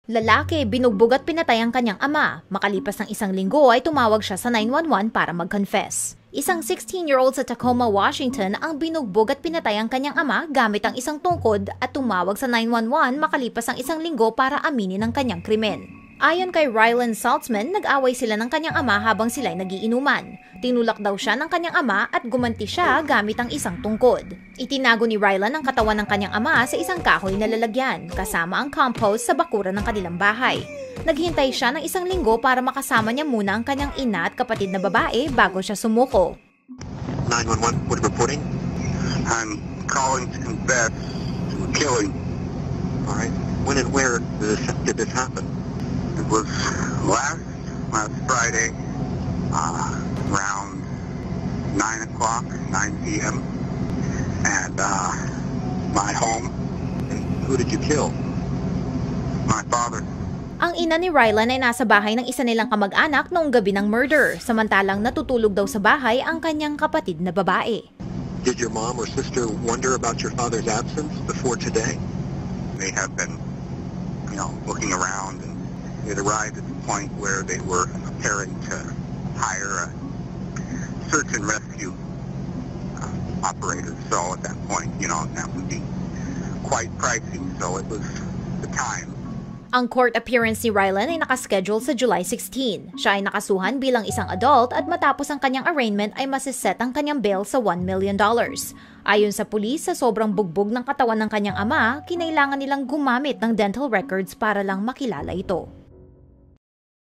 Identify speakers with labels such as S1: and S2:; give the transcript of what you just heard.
S1: Lalaki, binugbog at pinatay ang kanyang ama. Makalipas ng isang linggo ay tumawag siya sa 911 para mag-confess. Isang 16-year-old sa Tacoma, Washington ang binugbog at pinatay ang kanyang ama gamit ang isang tungkod at tumawag sa 911 makalipas ang isang linggo para aminin ang kanyang krimen. Ayon kay Rylan Saltzman, nag-away sila ng kanyang ama habang sila'y nagiinuman. Tinulak daw siya ng kanyang ama at gumanti siya gamit ang isang tungkod. Itinago ni Rylan ang katawan ng kanyang ama sa isang kahoy na lalagyan, kasama ang compost sa bakuran ng kanilang bahay. Naghintay siya ng isang linggo para makasama niya muna ang kanyang ina at kapatid na babae bago siya sumuko.
S2: 911, what reporting? I'm calling to confess to a killing. All right. When and where did this happen? It was last Friday, around 9 o'clock, 9 p.m. at my home. And who did you kill? My father.
S1: Ang ina ni Rylan ay nasa bahay ng isa nilang kamag-anak noong gabi ng murder, samantalang natutulog daw sa bahay ang kanyang kapatid na babae.
S2: Did your mom or sister wonder about your father's absence before today? They have been, looking around, and it arrived at the point where they were preparing to hire a search and rescue operator. So at that point, that would be quite pricey. So it was the time.
S1: Ang court appearance ni Rylan ay nakaschedule sa July 16. Siya ay nakasuhan bilang isang adult at matapos ang kanyang arraignment ay masiset ang kanyang bail sa $1 million. Ayon sa pulis, sa sobrang bugbog ng katawan ng kanyang ama, kinailangan nilang gumamit ng dental records para lang makilala ito.